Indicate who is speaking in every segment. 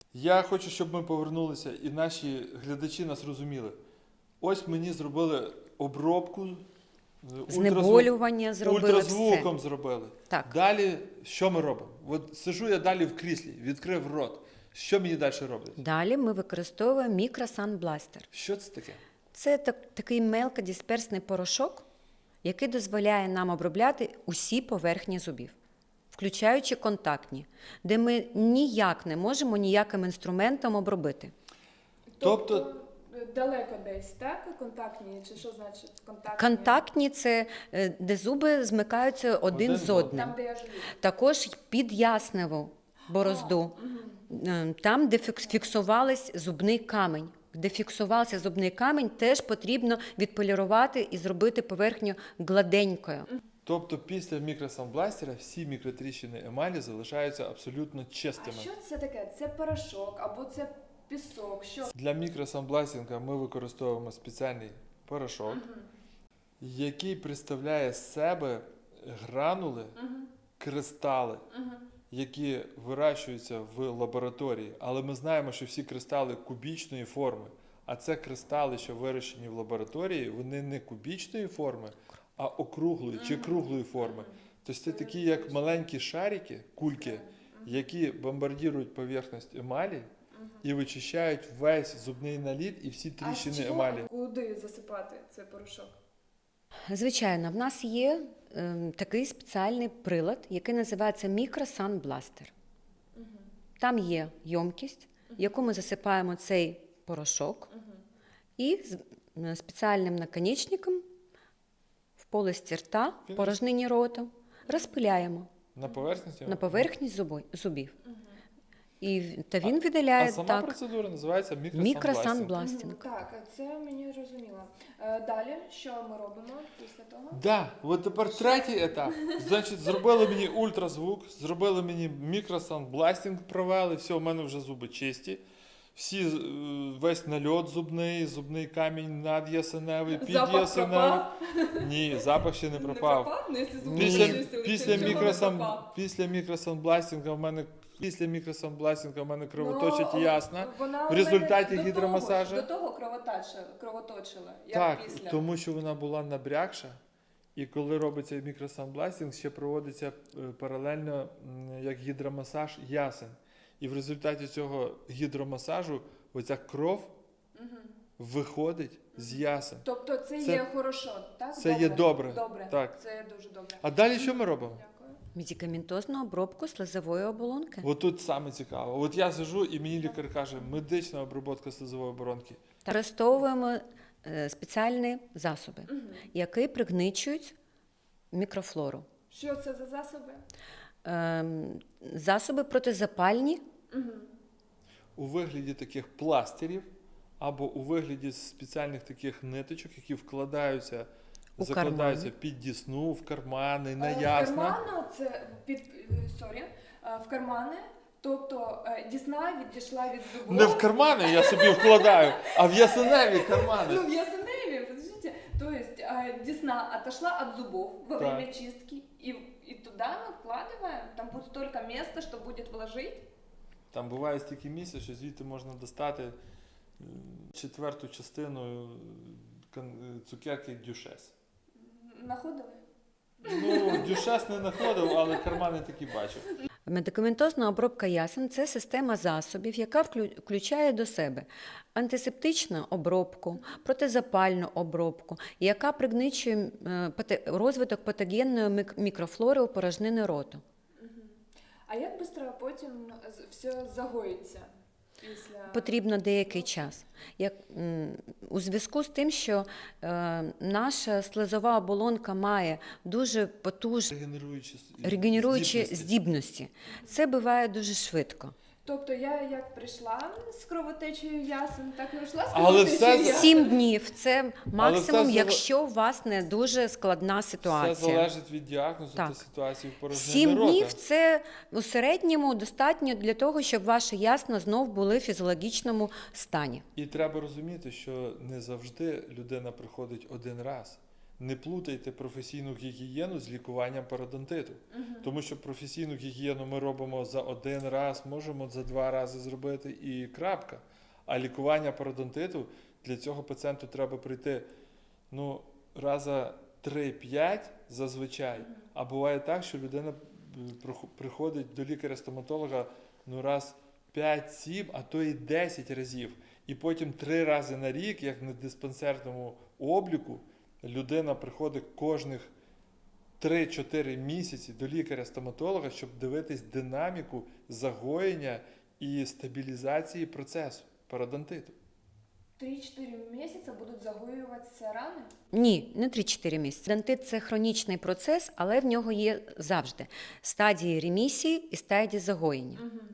Speaker 1: Я хочу, щоб ми повернулися і наші глядачі нас розуміли. Ось мені зробили обробку,
Speaker 2: Знеболювання зробили
Speaker 1: ультразвуком
Speaker 2: все.
Speaker 1: зробили.
Speaker 2: Так.
Speaker 1: Далі що ми робимо? От сижу я далі в кріслі, відкрив рот. Що мені далі роблять?
Speaker 2: Далі ми використовуємо мікросанбластер.
Speaker 1: Що це таке?
Speaker 2: Це такий мелкодисперсний порошок, який дозволяє нам обробляти усі поверхні зубів, включаючи контактні, де ми ніяк не можемо ніяким інструментом обробити.
Speaker 1: Тобто
Speaker 3: далеко десь, так? Контактні, чи що значить контактні?
Speaker 2: Контактні – це де зуби змикаються один з одним.
Speaker 3: Там, де я живу.
Speaker 2: Також під ясневу борозду, там, де фіксувався зубний камінь. Де фіксувався зубний камінь, теж потрібно відполірувати і зробити поверхню гладенькою.
Speaker 1: Тобто після мікросанбластера всі мікротріщини емалі залишаються абсолютно
Speaker 3: А
Speaker 1: чистими.
Speaker 3: що це таке? Це порошок або це пісок? Що?
Speaker 1: Для мікросанбластінга ми використовуємо спеціальний порошок, який представляє з себе гранули, кристали, які вирощуються в лабораторії. Але ми знаємо, що всі кристали кубічної форми. А це кристали, що вирощені в лабораторії, вони не кубічної форми, а округлої чи круглої форми. Тобто це такі, як маленькі шарики, кульки, які бомбардірують поверхність емалі і вичищають весь зубний наліт і всі
Speaker 3: А
Speaker 1: тріщини
Speaker 3: з чого,
Speaker 1: емалі.
Speaker 3: куди засипати цей порошок?
Speaker 2: Звичайно, в нас є такий спеціальний прилад, який називається мікросанбластер. Там є ємкість, в яку ми засипаємо цей порошок, і з спеціальним наконечником в полості рта, порожнині рота, розпиляємо
Speaker 1: На поверхності?
Speaker 2: на поверхні зубів. Та він
Speaker 1: А
Speaker 2: видаляє
Speaker 1: сама процедура називається мікросанбластінг.
Speaker 2: мікросанбластинг.
Speaker 3: Так, це мені зрозуміло. Далі, що ми робимо після того?
Speaker 1: Да, от тепер третій етап. Значить, зробили мені ультразвук, зробили мені мікросанбластінг, провели, все, у мене вже зуби чисті. Всі, весь нальот зубний камінь надясеневий,
Speaker 3: Запах
Speaker 1: підясеневий.
Speaker 3: пропав?
Speaker 1: Ні, запах ще не пропав.
Speaker 3: Ну, якщо зуби
Speaker 1: Після,
Speaker 3: чистили,
Speaker 1: після,
Speaker 3: чого не пропав?
Speaker 1: після мікросанбластінга в мене кровоточить
Speaker 3: Ну,
Speaker 1: ясно.
Speaker 3: вона
Speaker 1: В
Speaker 3: у
Speaker 1: результаті
Speaker 3: мене
Speaker 1: гідромасажу.
Speaker 3: До того кровоточила, як
Speaker 1: Так,
Speaker 3: після.
Speaker 1: тому що вона була набрякша, і коли робиться мікросанбластінг, ще проводиться паралельно як гідромасаж ясен. І в результаті цього гідромасажу оця кров виходить з ясен.
Speaker 3: Тобто це
Speaker 1: Це-
Speaker 3: є хорошо, так?
Speaker 1: це є добре.
Speaker 3: Добре,
Speaker 1: Так.
Speaker 3: це дуже добре.
Speaker 1: А далі що ми робимо?
Speaker 3: Дякую.
Speaker 2: Медикаментозну обробку слизової оболонки.
Speaker 1: От тут саме цікаво. От я сижу, і мені лікар каже, медична обробка слизової оборонки.
Speaker 2: Використовуємо спеціальні засоби, які пригничують мікрофлору.
Speaker 3: Що це за засоби?
Speaker 2: Засоби протизапальні,
Speaker 1: У вигляді таких пластирів або у вигляді спеціальних таких ниточок, які вкладаються,
Speaker 2: У
Speaker 1: закладаються
Speaker 2: кармани.
Speaker 1: під дісну, в кармани, на
Speaker 3: В
Speaker 1: ясна.
Speaker 3: карману це в кармани, тобто дісна відійшла від зубов.
Speaker 1: Не в кармани я собі вкладаю, а в ясеневі кармани.
Speaker 3: Ну, в ясеневе, подождите. То есть десна отошла от зубов во время чистки, и туда мы вкладываем, там будет столько места, что будет вложить.
Speaker 1: Там буває стільки місця, що звідти можна достати четверту частину цукерки дюшес.
Speaker 3: Находили?
Speaker 1: Ну, дюшес не знаходив, але кармани такі бачив.
Speaker 2: Медикаментозна обробка ясен – це система засобів, яка включає до себе антисептичну обробку, протизапальну обробку, яка пригничує розвиток патогенної мікрофлори у порожнини роту.
Speaker 3: А як швидко потім все загоїться? Після...
Speaker 2: Потрібно деякий час. У зв'язку з тим, що наша слизова оболонка має дуже потужні регенеруючі здібності, це буває дуже швидко.
Speaker 3: Тобто я як прийшла з кровотечею ясен, так і вийшла з
Speaker 1: Але
Speaker 3: кровотечею
Speaker 1: все-
Speaker 3: ясен.
Speaker 2: 7 днів – це максимум,
Speaker 1: все
Speaker 2: якщо у вас не дуже складна
Speaker 1: Все
Speaker 2: ситуація.
Speaker 1: залежить від діагнозу
Speaker 2: Так.
Speaker 1: та ситуації в порожнині
Speaker 2: 7
Speaker 1: рота.
Speaker 2: днів – це у середньому достатньо для того, щоб ваші ясна знов були в фізіологічному стані.
Speaker 1: І треба розуміти, що не завжди людина приходить один раз. не плутайте професійну гігієну з лікуванням пародонтиту. Тому що професійну гігієну ми робимо за один раз, можемо за 2 рази зробити і крапка. А лікування пародонтиту, для цього пацієнту треба прийти раза 3-5 зазвичай. А буває так, що людина приходить до лікаря-стоматолога раз 5-7, а то і 10 разів. І потім 3 рази на рік, як на диспансерному обліку, людина приходить кожних 3-4 місяці до лікаря-стоматолога, щоб дивитись динаміку загоєння і стабілізації процесу пародонтиту.
Speaker 3: 3-4 месяца будут загоюватися рани?
Speaker 2: Ні, не 3-4 місяці. Дентит – це хронічний процес, але в нього є завжди стадії ремісії і стадії загоєння.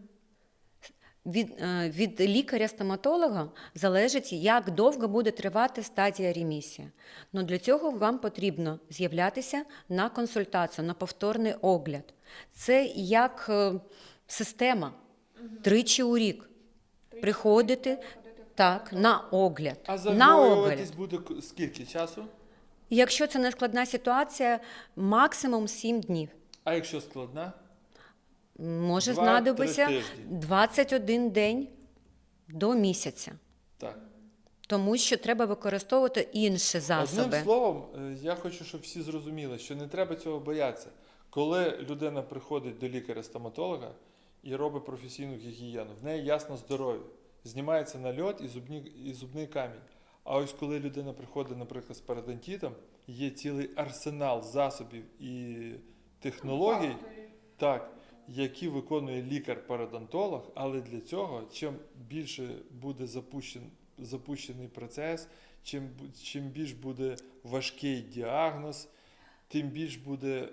Speaker 2: Від лікаря-стоматолога залежить, як довго буде тривати стадія ремісії. Но для цього вам потрібно з'являтися на консультацію, на повторний огляд. Це як система. 3 у рік. Приходити на огляд.
Speaker 1: А
Speaker 2: На огляд.
Speaker 1: загоюватись буде скільки часу?
Speaker 2: Якщо це не складна ситуація, максимум 7 днів.
Speaker 1: А якщо складна?
Speaker 2: Може
Speaker 1: 2-3
Speaker 2: знадобитися
Speaker 1: тижні.
Speaker 2: 21 день до місяця.
Speaker 1: Так.
Speaker 2: Тому що треба використовувати інші засоби.
Speaker 1: Одним словом, я хочу, щоб всі зрозуміли, що не треба цього боятися. Коли людина приходить до лікаря-стоматолога і робить професійну гігієну, в неї ясно здоров'я, знімається нальот і зубний камінь. А ось коли людина приходить, наприклад, з пародонтитом, є цілий арсенал засобів і технологій, які виконує лікар-пародонтолог, але для цього, чим більше буде запущений процес, чим більш буде важкий діагноз, тим більш буде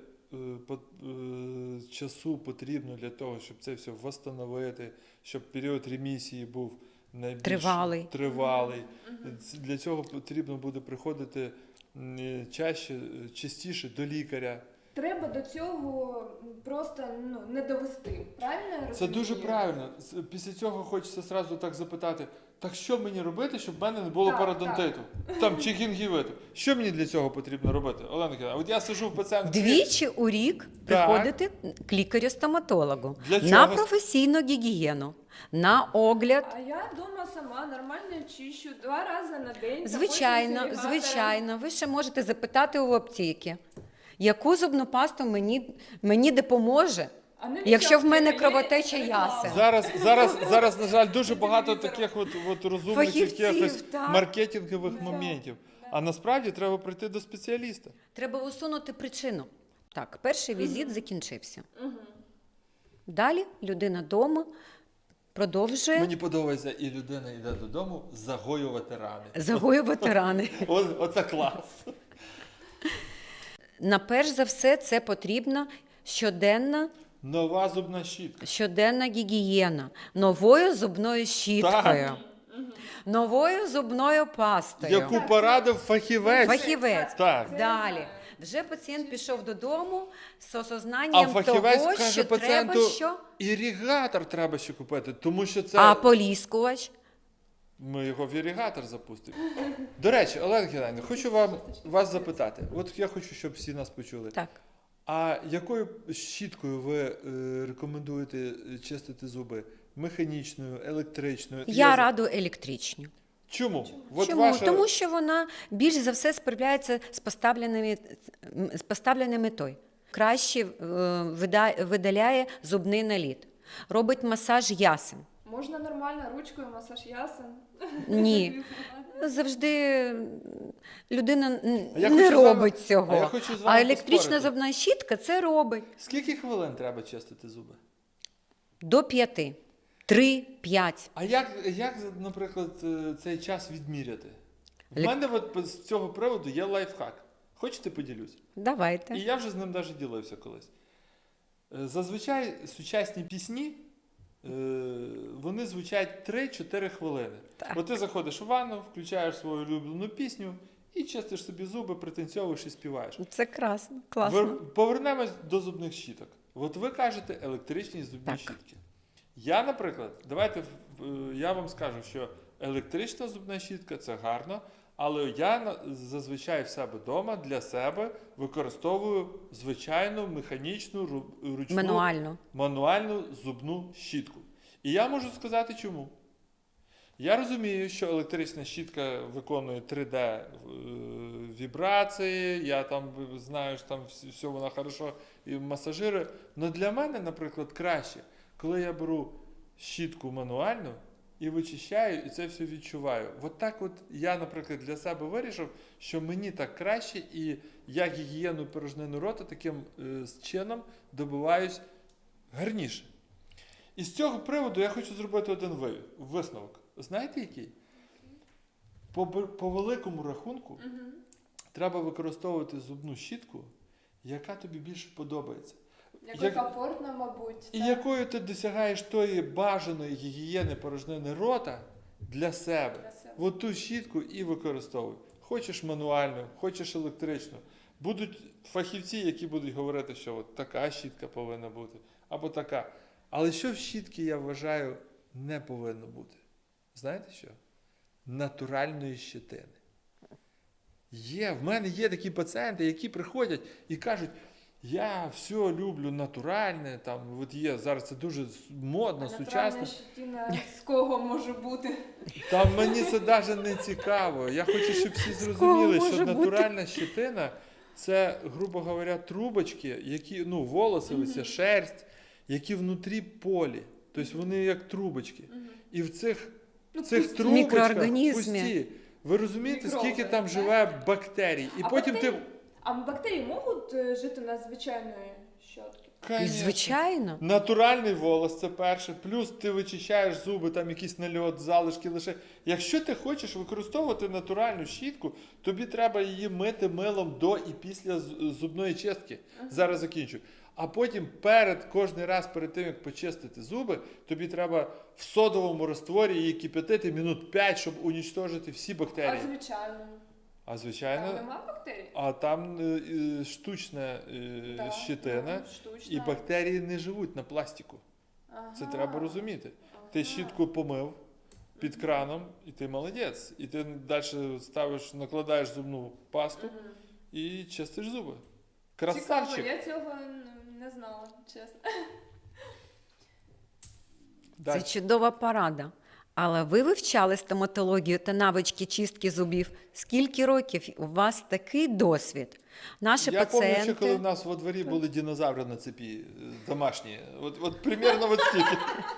Speaker 1: часу потрібно для того, щоб це все встановити, щоб період ремісії був найбільш тривалий. Для цього потрібно буде приходити частіше до лікаря.
Speaker 3: Треба до цього просто не довести, правильно я розумію?
Speaker 1: Це дуже правильно. Після цього хочеться зразу так запитати, так що мені робити, щоб в мене не було пародонтиту? Чи гінгівиту? Що мені для цього потрібно робити? Олена Кирилівна, от я сижу в пацієнтки.
Speaker 2: 2 у рік приходити к лікарю-стоматологу
Speaker 1: Для
Speaker 2: на
Speaker 1: чого?
Speaker 2: професійну гігієну, на огляд.
Speaker 3: А я вдома сама нормально чищу 2 рази на день.
Speaker 2: Звичайно. Ви ще можете запитати у аптеки, яку зубну пасту мені допоможе, якщо в мене кровотеча ясен.
Speaker 1: Зараз, на жаль, дуже багато таких от розумних
Speaker 2: Фахівців,
Speaker 1: якихось
Speaker 2: так.
Speaker 1: маркетингових моментів. А насправді треба прийти до спеціаліста.
Speaker 2: Треба усунути причину. Так, перший візит закінчився. Далі людина вдома продовжує
Speaker 1: Мені подобається, і людина йде додому загоювати рани.
Speaker 2: загоювати рани.
Speaker 1: Оце клас.
Speaker 2: Перш за все, це потрібна
Speaker 1: Нова зубна щітка.
Speaker 2: щоденна гігієна новою зубною щіткою, новою зубною пастою.
Speaker 1: Яку порадив фахівець.
Speaker 2: Фахівець.
Speaker 1: Так.
Speaker 2: Далі. Вже пацієнт пішов додому з
Speaker 1: А
Speaker 2: осознанням
Speaker 1: фахівець
Speaker 2: того,
Speaker 1: каже
Speaker 2: що
Speaker 1: пацієнту,
Speaker 2: треба що?
Speaker 1: іригатор треба ще купити, тому що це...
Speaker 2: А поліскувач?
Speaker 1: Ми його в іригатор запустимо. До речі, Олена Геннадівна, хочу вас запитати. От я хочу, щоб всі нас почули.
Speaker 2: Так.
Speaker 1: А якою щіткою ви рекомендуєте чистити зуби? Механічною, електричною?
Speaker 2: Я раду електричні.
Speaker 1: Чому?
Speaker 2: Чому? Тому що вона більш за все справляється з поставленою метою. Краще видаляє зубний наліт, робить масаж ясен.
Speaker 3: Можна нормально ручкою масаж ясен?
Speaker 2: Ні. Завжди людина
Speaker 1: Я
Speaker 2: не
Speaker 1: хочу з вами-
Speaker 2: робить цього.
Speaker 1: а я хочу з вами
Speaker 2: А електрична
Speaker 1: поспорити.
Speaker 2: зубна щітка це робить.
Speaker 1: Скільки хвилин треба чистити зуби?
Speaker 2: До 5. 3-5.
Speaker 1: А як, наприклад, цей час відміряти? В мене от з цього приводу є лайфхак. Хочете, поділюсь?
Speaker 2: Давайте.
Speaker 1: І я вже з ним навіть ділився колись. Зазвичай сучасні пісні, вони звучать 3-4 хвилини.
Speaker 2: Так.
Speaker 1: От ти заходиш у ванну, включаєш свою улюблену пісню і чистиш собі зуби, пританцьовуєш і співаєш.
Speaker 2: Це класно.
Speaker 1: Повернемось до зубних щіток. От ви кажете електричні зубні
Speaker 2: Так.
Speaker 1: щітки. Я, наприклад, я вам скажу, що електрична зубна щітка – це гарно, Але я зазвичай в себе вдома для себе використовую звичайну механічну ручну мануальну зубну щітку. І я можу сказати чому. Я розумію, що електрична щітка виконує 3D вібрації, я там знаю, що там все вона хорошо і масажирує. Але для мене, наприклад, краще, коли я беру щітку мануальну і вичищаю, і це все відчуваю. От так от я, наприклад, для себе вирішив, що мені так краще, і я гігієну порожнини рота таким чином добиваюсь гарніше. І з цього приводу я хочу зробити один висновок. Знаєте який? По великому рахунку треба використовувати зубну щітку, яка тобі більше подобається.
Speaker 3: Якою комфортно, мабуть.
Speaker 1: І якою ти досягаєш тої бажаної гігієни порожнини рота для себе. От ту щітку і використовуй. Хочеш мануальну, хочеш електричну. Будуть фахівці, які будуть говорити, що от така щітка повинна бути, або така. Але що в щітки, я вважаю, не повинно бути? Знаєте що? Натуральної щетини. В мене є такі пацієнти, які приходять і кажуть, я все люблю натуральне, там, от є, зараз це дуже модно, сучасно.
Speaker 3: Натуральна щетина з кого може бути?
Speaker 1: Там мені це навіть не цікаво. Я хочу, щоб всі зрозуміли, що натуральна щетина – це, грубо говоря, трубочки, які, волоси, ось шерсть, які внутрі полі. Тобто вони як трубочки. І в цих трубочках пусті. Ви розумієте, скільки там живе бактерій? І потім
Speaker 3: А бактерії можуть жити на звичайної щотки?
Speaker 2: Звичайно.
Speaker 1: Натуральний волос – це перше. Плюс ти вичищаєш зуби, там якийсь нальот, залишки лише. Якщо ти хочеш використовувати натуральну щітку, тобі треба її мити милом до і після зубної чистки. Зараз закінчу. А потім кожен раз перед тим, як почистити зуби, тобі треба в содовому розтворі її кип'ятити минут 5, щоб унічтожити всі бактерії.
Speaker 3: А
Speaker 1: звичайно?
Speaker 3: Там нема бактерій?
Speaker 1: А там штучна щетина, і бактерії не живуть на пластику. Це треба розуміти. Ти щітку помив під краном, і ти молодець. І ти далі накладаєш зубну пасту і чистиш зуби. Красавчик.
Speaker 3: Цікаво, я цього не знала, чесно.
Speaker 2: Це чудова порада. Але ви вивчали стоматологію та навички чистки зубів. Скільки років у вас такий досвід? Наші пацієнти...
Speaker 1: Я пам'ятаю, коли в нас во дворі були динозаври на цепі домашні. От примерно от стільки.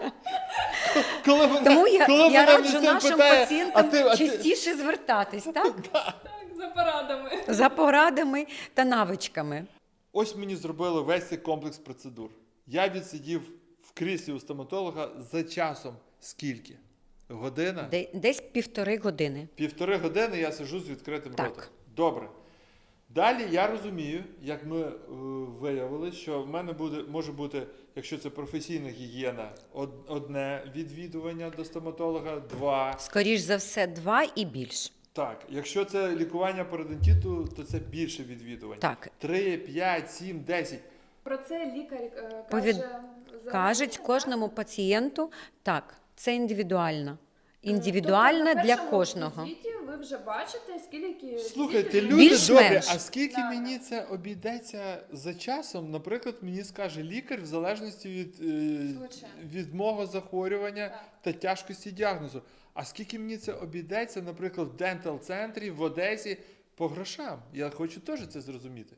Speaker 2: Тому я раджу нашим пацієнтам частіше звертатись, так?
Speaker 3: Так, за порадами.
Speaker 2: За порадами та навичками.
Speaker 1: Ось мені зробили весь цей комплекс процедур. Я відсидів в кріслі у стоматолога за часом скільки? Година?
Speaker 2: Десь 1,5 години.
Speaker 1: 1,5 години я сиджу з відкритим
Speaker 2: Так.
Speaker 1: ротом. Добре. Далі я розумію, як ми виявили, що в мене може бути, якщо це професійна гігієна, одне відвідування до стоматолога, 2.
Speaker 2: Скоріш за все, 2 і більш.
Speaker 1: Так, якщо це лікування пародонтиту, то це більше відвідувань.
Speaker 2: Так.
Speaker 1: 3, 5, 7, 10.
Speaker 3: Про це лікар
Speaker 2: Кажуть кожному пацієнту, так, це індивідуально. Індивідуально
Speaker 3: тобто,
Speaker 2: для кожного.
Speaker 3: На візиті ви вже бачите, скільки...
Speaker 1: Слухайте, люди
Speaker 2: Більш-менш.
Speaker 1: добрі, а скільки мені це обійдеться за часом? Наприклад, мені скаже лікар в залежності від мого захворювання та тяжкості діагнозу. А скільки мені це обійдеться, наприклад, в дентал-центрі, в Одесі, по грошам? Я хочу теж це зрозуміти.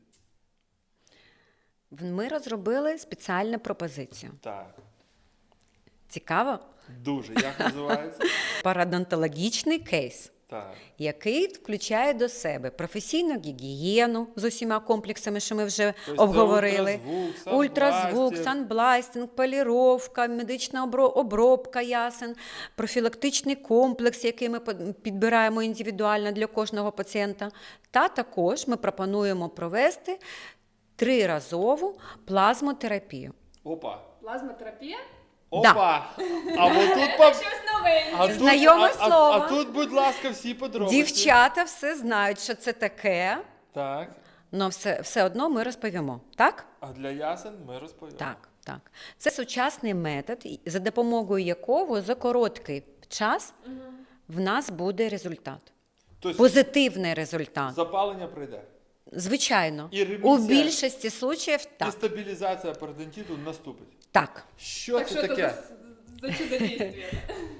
Speaker 2: Ми розробили спеціальну пропозицію.
Speaker 1: Так.
Speaker 2: Цікаво?
Speaker 1: Дуже. Як називається?
Speaker 2: Парадонтологічний кейс.
Speaker 1: Так.
Speaker 2: Який включає до себе професійну гігієну з усіма комплексами, що ми вже
Speaker 1: Тобто
Speaker 2: обговорили.
Speaker 1: Ультразвук,
Speaker 2: санбластинг, поліровка, медична обробка ясен, профілактичний комплекс, який ми підбираємо індивідуально для кожного пацієнта. Та також ми пропонуємо провести 3-разову плазмотерапію.
Speaker 1: Опа.
Speaker 3: Плазмотерапія?
Speaker 1: Опа! А от тут
Speaker 3: Щось новеньке.
Speaker 2: Знайоме слово.
Speaker 1: А тут, будь ласка, всі подробиці.
Speaker 2: Дівчата все знають, що це таке,
Speaker 1: Так.
Speaker 2: але все одно ми розповімо. Так?
Speaker 1: А для ясен ми розповімо.
Speaker 2: Так. Це сучасний метод, за допомогою якого за короткий час в нас буде результат.
Speaker 1: Тобто
Speaker 2: Позитивний результат.
Speaker 1: запалення пройде.
Speaker 2: Звичайно.
Speaker 1: І
Speaker 2: У
Speaker 1: ремісія,
Speaker 2: більшості случаїв
Speaker 1: і
Speaker 2: так.
Speaker 1: стабілізація пародонтиту наступить.
Speaker 2: Так.
Speaker 1: Що
Speaker 3: Так
Speaker 1: це
Speaker 3: что это
Speaker 1: таке?
Speaker 3: за чудодействие?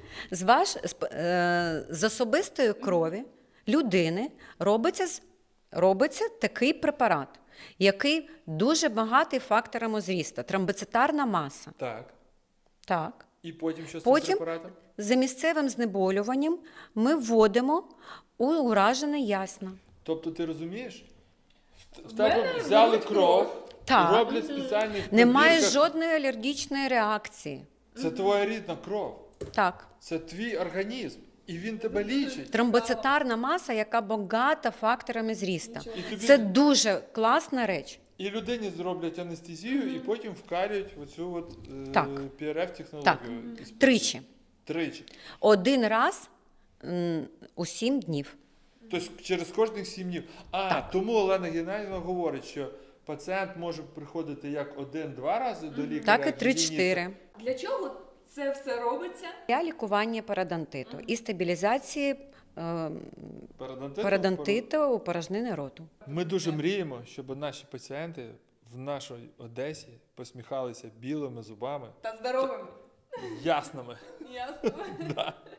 Speaker 2: З особистої крові людини робиться такий препарат, який дуже багатий факторами зрісту. Тромбоцитарна маса.
Speaker 1: Так.
Speaker 2: Так.
Speaker 1: І потім що з
Speaker 2: Потім
Speaker 1: цим препаратом?
Speaker 2: за місцевим знеболюванням ми вводимо у уражене ясна.
Speaker 1: Тобто ти розумієш? В
Speaker 3: мене
Speaker 1: тебе взяли
Speaker 3: беруть
Speaker 1: кров,
Speaker 2: Так.
Speaker 1: роблять спеціальні
Speaker 2: Немає
Speaker 1: пробірках.
Speaker 2: жодної алергічної реакції.
Speaker 1: Це твоя рідна кров.
Speaker 2: Так.
Speaker 1: Це твій організм. І він тебе лічить.
Speaker 2: Тромбоцитарна маса, яка багата факторами зрісту.
Speaker 1: І тобі
Speaker 2: Це дуже класна реч.
Speaker 1: і людині зроблять анестезію, і потім вкарюють оцю от,
Speaker 2: Так.
Speaker 1: PRF-технологію.
Speaker 2: Так. Тричі.
Speaker 1: Тричі.
Speaker 2: Один раз у 7 днів.
Speaker 1: Тобто через кожних 7 днів. Тому Олена Геннадіївна говорить, що пацієнт може приходити як 1-2 рази до лікаря.
Speaker 2: Так і
Speaker 1: як
Speaker 2: 3-4.
Speaker 3: Для чого це все робиться?
Speaker 2: Для лікування пародонтиту і стабілізації
Speaker 1: Пародонтит.
Speaker 2: пародонтиту у порожнини роту.
Speaker 1: Ми дуже мріємо, щоб наші пацієнти в нашій Одесі посміхалися білими зубами,
Speaker 3: Та здоровими.
Speaker 1: ясними.
Speaker 3: Ясно.